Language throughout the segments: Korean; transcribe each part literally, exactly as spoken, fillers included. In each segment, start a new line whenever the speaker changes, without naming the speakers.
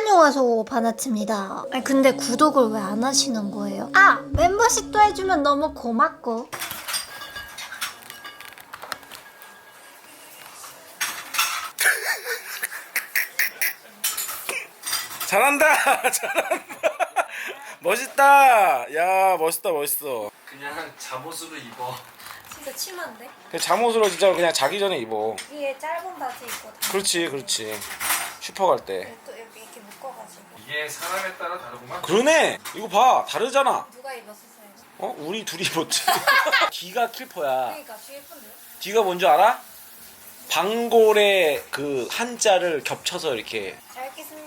안녕하세요, 바나트입니다. 아니 근데 구독을 왜 안 하시는 거예요? 아! 멤버십도 해주면 너무 고맙고.
잘한다. 잘한다. 멋있다. 야, 멋있다, 멋있어.
그냥 잠옷으로 입어.
진짜 치마인데?
그냥 잠옷으로 진짜 그냥 자기 전에 입어.
위에 짧은 바지 입고 다.
그렇지, 그렇지. 슈퍼 갈 때.
또 이렇게, 이렇게 묶어가지고.
이게 사람에 따라 다르구만.
그러네. 이거 봐, 다르잖아.
누가 입었었어요?
어, 우리 둘이 입었지. 뒤가 킬퍼야.
그러니까 뒤에 예쁜데요?
뒤가 뭔지 알아? 방골의 그 한자를 겹쳐서 이렇게.
잘 입겠습니다.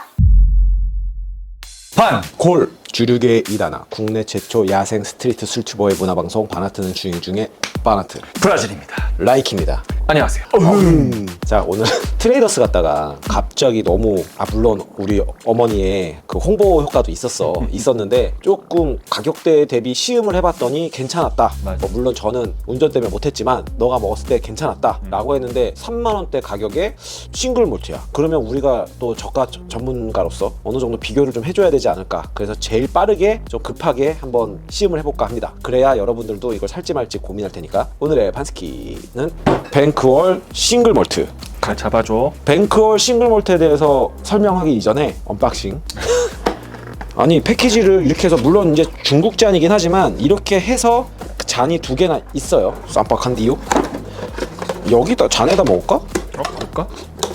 반! 골! 주류계의 이단아 국내 최초 야생 스트리트 술튜버의 문화방송 바나트는 주인 중에 바나트
브라질입니다.
라이키입니다.
안녕하세요.
음. 자, 오늘 트레이더스 갔다가 갑자기 너무, 아 물론 우리 어머니의 그 홍보 효과도 있었어 있었는데 조금 가격대 대비 시음을 해봤더니 괜찮았다.
맞아.
뭐 물론 저는 운전 때문에 못했지만 너가 먹었을 때 괜찮았다
음.
라고 했는데 삼만 원대 가격에 싱글 몰트야. 그러면 우리가 또 저가 저- 전문가로서 어느 정도 비교를 좀 해줘야 되지 않을까. 그래서 제일 빠르게 좀 급하게 한번 시음을 해볼까 합니다. 그래야 여러분들도 이걸 살지 말지 고민할 테니까. 오늘의 반스키는 뱅크월 싱글 몰트.
가 잡아줘.
뱅크월 싱글 몰트에 대해서 설명하기 이전에 언박싱. 아니 패키지를 이렇게 해서 물론 이제 중국 잔이긴 하지만 이렇게 해서 잔이 두 개나 있어요. 쌈박한디요. 여기다 잔에다 먹을까?
어, 볼까?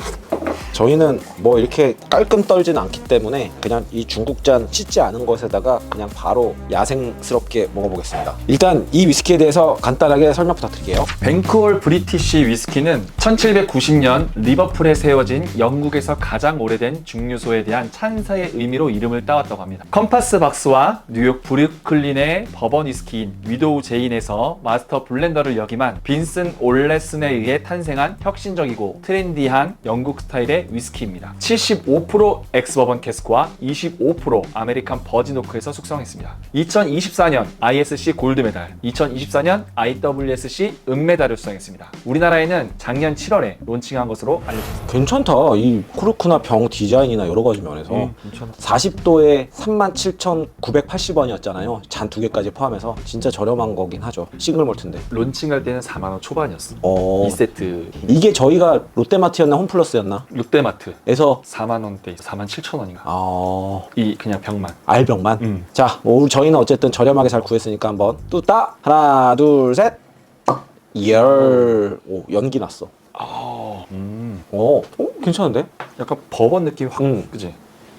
저희는 뭐 이렇게 깔끔 떨지는 않기 때문에 그냥 이 중국잔 씻지 않은 것에다가 그냥 바로 야생스럽게 먹어보겠습니다. 일단 이 위스키에 대해서 간단하게 설명 부탁드릴게요.
뱅크홀 브리티시 위스키는 천칠백구십 년 리버풀에 세워진 영국에서 가장 오래된 증류소에 대한 찬사의 의미로 이름을 따왔다고 합니다. 컴파스 박스와 뉴욕 브루클린의 버번 위스키인 위도우 제인에서 마스터 블렌더를 역임한 빈슨 올레슨에 의해 탄생한 혁신적이고 트렌디한 영국 스타일의 위스키입니다. 칠십오 퍼센트 엑스버번 캐스크와 이십오 퍼센트 아메리칸 버진 오크에서 숙성했습니다. 이천이십사 년 아이에스씨 골드메달, 이천이십사 년 아이더블유에스씨 은메달을 수상했습니다. 우리나라에는 작년 칠월에 론칭한 것으로 알려졌습니다.
괜찮다. 이 코르크나 병 디자인이나 여러 가지 면에서
음, 괜찮아.
사십 도에 삼만 칠천구백팔십 원이었잖아요. 잔 두 개까지 포함해서 진짜 저렴한 거긴 하죠. 싱글 몰트인데.
론칭할 때는 사만 원 초반이었어.
어...
이 세트
이게 저희가 롯데마트였나 홈플러스였나?
롯데마트
에서
사만 원대 사만 칠천 원인가?
아...
이 그냥 병만.
알병만.
음.
자, 뭐 우리 저희는 어쨌든 저렴하게 잘 구했으니까 한번 뚜따 하나, 둘, 셋. 열. 오, 연기 났어.
아, 음,
오, 어, 괜찮은데?
약간 버번 느낌이 확,
음.
그지?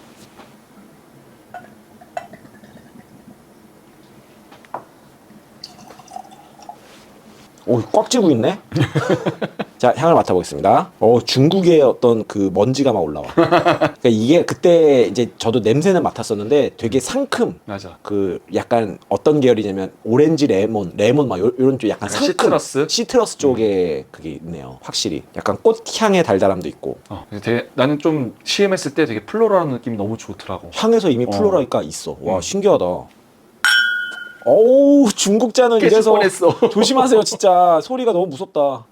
오, 꽉 쥐고 있네. 자, 향을 맡아보겠습니다. 어, 중국의 어떤 그 먼지가 막 올라와. 그러니까 이게 그때 이제 저도 냄새는 맡았었는데 되게 상큼.
맞아.
그 약간 어떤 계열이냐면 오렌지 레몬, 레몬 막 요, 요런 쪽 약간
약간
상큼.
시트러스?
시트러스 쪽에 그게 있네요. 확실히. 약간 꽃향의 달달함도 있고.
어, 그래서 되게, 나는 좀 시음했을 때 되게 플로럴한 느낌이 너무 좋더라고.
향에서 이미
어.
플로라가 있어. 와,
음.
신기하다. 어우, 중국 잔은
깨질
이래서
뻔했어.
조심하세요. 진짜 소리가 너무 무섭다.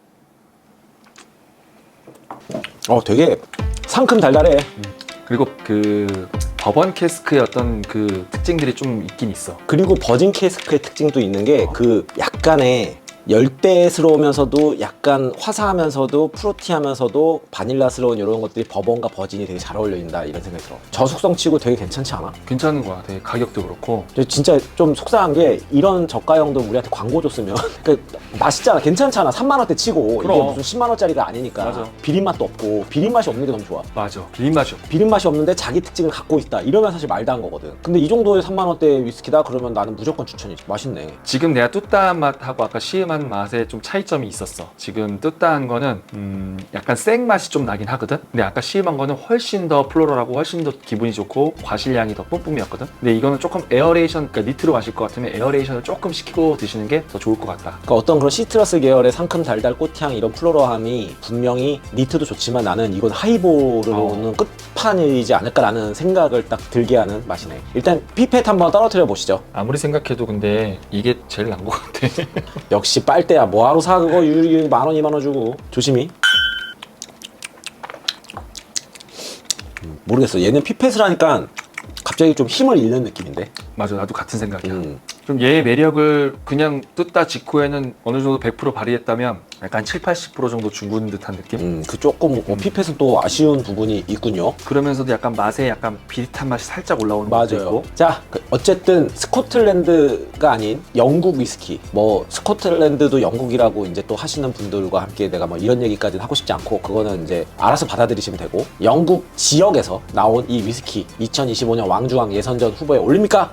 어, 되게 상큼 달달해.
그리고 그 버번 캐스크의 어떤 그 특징들이 좀 있긴 있어.
그리고 버진 캐스크의 특징도 있는 게 그 약간의 열대스러우면서도 약간 화사하면서도 프루티하면서도 바닐라스러운 이런 것들이 버번과 버진이 되게 잘 어울린다 이런 생각이 들어. 저숙성치고 되게 괜찮지 않아?
괜찮은 거야. 되게 가격도 그렇고.
근데 진짜 좀 속상한 게 이런 저가형도 우리한테 광고 줬으면 그 맛있잖아. 괜찮잖아. 삼만 원대 치고 이게
그럼.
무슨 십만 원짜리가 아니니까.
맞아.
비린맛도 없고 비린맛이 없는 게 너무 좋아.
맞아. 비린맛이 없.
비린맛이 없는데 자기 특징을 갖고 있다. 이러면 사실 말도 안 거거든. 근데 이 정도의 삼만 원대 위스키다 그러면 나는 무조건 추천이지. 맛있네.
지금 내가 뚜따한 맛하고 아까 시음한 맛에 좀 차이점이 있었어. 지금 뚜따한 거는 음 약간 생 맛이 좀 나긴 하거든. 근데 아까 시음한 거는 훨씬 더 플로럴하고 훨씬 더 기분이 좋고 과실량이 더 뿜뿜이었거든. 근데 이거는 조금 에어레이션, 그러니까 니트로 마실 것 같으면 에어레이션을 조금 시키고 드시는 게 더 좋을 것 같다.
그러니까 어떤 그런 시트러스 계열의 상큼 달달 꽃향 이런 플로러함이 분명히 니트도 좋지만 나는 이건 하이볼로는
어.
끝판이지 않을까라는 생각을 딱 들게 하는 맛이네. 일단 피펫 한번 떨어뜨려 보시죠.
아무리 생각해도 근데 이게 제일 난 것 같아.
역시 빨대야. 뭐하러 사 그거 유리 만원 이만 원 주고. 조심히. 음, 모르겠어. 얘는 피펫을 하니까 갑자기 좀 힘을 잃는 느낌인데.
맞아, 나도 같은 생각이야.
음.
좀 얘의 매력을 그냥 뜯다 직후에는 어느 정도 백 퍼센트 발휘했다면 약간 칠, 팔십 퍼센트 정도 중군 듯한 느낌?
음, 그 조금 어, 피펫은 또 아쉬운 부분이 있군요.
그러면서도 약간 맛에 약간 비릿한 맛이 살짝 올라오는 것도
맞아요.
있고.
자, 그 어쨌든 스코틀랜드가 아닌 영국 위스키. 뭐 스코틀랜드도 영국이라고 이제 또 하시는 분들과 함께 내가 뭐 이런 얘기까지는 하고 싶지 않고 그거는 이제 알아서 받아들이시면 되고 영국 지역에서 나온 이 위스키 이천이십오 년 왕중왕 예선전 후보에 올립니까?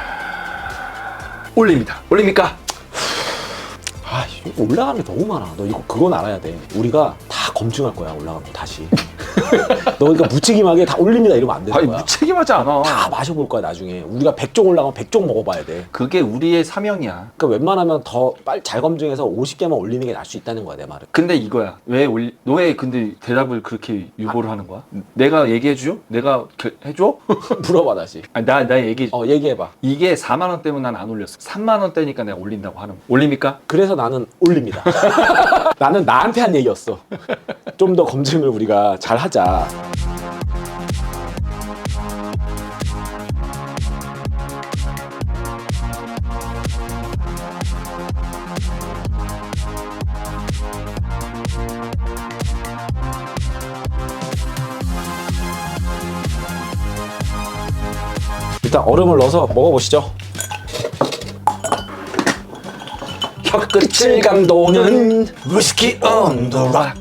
올립니다. 올립니까?
아, 이거 올라가는 게 너무 많아. 너 이거 그건 알아야 돼. 우리가 다 검증할 거야. 올라가면 다시. 너 그러니까 무책임하게 다 올립니다 이러면 안 되는
아니
거야.
무책임하지 않아.
다 마셔볼 거야 나중에. 우리가 백 종 올라가면 백 종 먹어봐야 돼.
그게 우리의 사명이야.
그러니까 웬만하면 더 빨리 잘 검증해서 오십 개만 올리는 게 나을 수 있다는 거야 내 말은.
근데 이거야. 왜 올리... 너왜 근데 대답을 그렇게 유보를 하는 거야? 내가 얘기해줘? 내가 겨... 해줘?
물어봐 다시.
아니 나, 나 얘기
어 얘기해봐.
이게 사만 원대면 난 안 올렸어. 삼만 원대니까 내가 올린다고 하는 거. 올립니까?
그래서 나는 올립니다. 나는 나한테 한 얘기였어. 좀 더 검증을 우리가 잘 하자. 일단 얼음을 넣어서 먹어보시죠. 혀끝을 감도는 위스키 on the rock.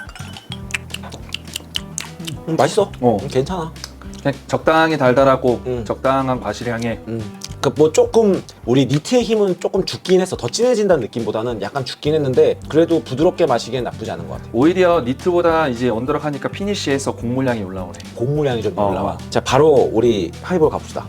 음, 맛있어.
어.
음, 괜찮아.
그냥 적당히 달달하고
음.
적당한 과실향에
음. 그 뭐 조금 우리 니트의 힘은 조금 죽긴 했어. 더 진해진다는 느낌보다는 약간 죽긴 했는데 그래도 부드럽게 마시기엔 나쁘지 않은 것 같아.
오히려 니트보다 이제 언더락 하니까 피니쉬에서 곡물향이 올라오네.
곡물향이 좀
어.
올라와. 자, 바로 우리 하이볼 가봅시다.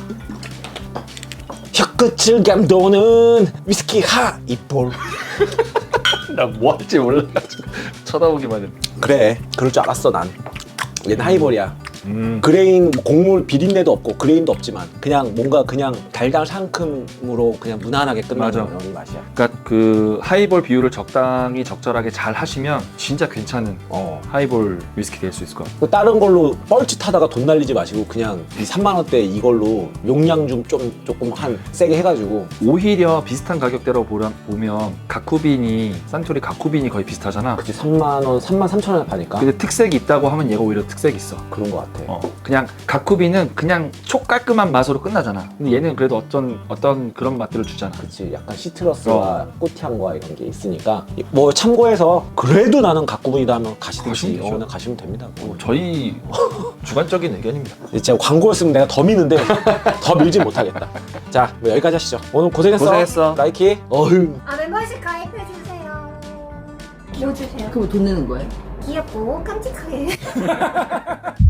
혀끝을 감도는 위스키 하이볼.
나 뭐 할지 몰라가지고 쳐다보기만 해.
그래, 그럴 줄 알았어 난. 얘는 하이볼이야.
음.
그레인 곡물 비린내도 없고 그레인도 없지만 그냥 뭔가 그냥 달달 상큼으로 그냥 무난하게 끝나는
맞아.
그런 맛이야.
그러니까 그 하이볼 비율을 적당히 적절하게 잘 하시면 진짜 괜찮은
어.
하이볼 위스키 될 수 있을 것 같아요.
그 다른 걸로 뻘짓하다가 돈 날리지 마시고 그냥 이 삼만 원대 이걸로 용량 좀 좀 조금 한 세게 해가지고.
오히려 비슷한 가격대로 보라, 보면 가쿠빈이 산토리 가쿠빈이 거의 비슷하잖아.
그치, 삼만 원, 삼만 삼천 원에 파니까.
근데 특색이 있다고 하면 얘가 오히려 특색이 있어.
그런 것 같아.
어, 그냥 가쿠비는 그냥 촉 깔끔한 맛으로 끝나잖아. 근데 얘는 그래도 어떤 어떤 그런 맛들을 주잖아.
그치, 약간 시트러스와 꽃향과 이런 게 있으니까 뭐 참고해서 그래도 나는 가꾸분이다 하면 가시든지
가시면 되죠.
어, 나 가시면 됩니다. 뭐.
어, 저희 주관적인 의견입니다.
진짜 광고였으면 내가 더 미는데 더 밀진 못하겠다. 자, 뭐 여기까지 하시죠. 오늘 고생했어.
고생했어.
나이키. 어휴.
아 멤버십 가입해주세요. 뭐 주세요?
그럼 돈 내는 거예요?
귀엽고 깜찍하게.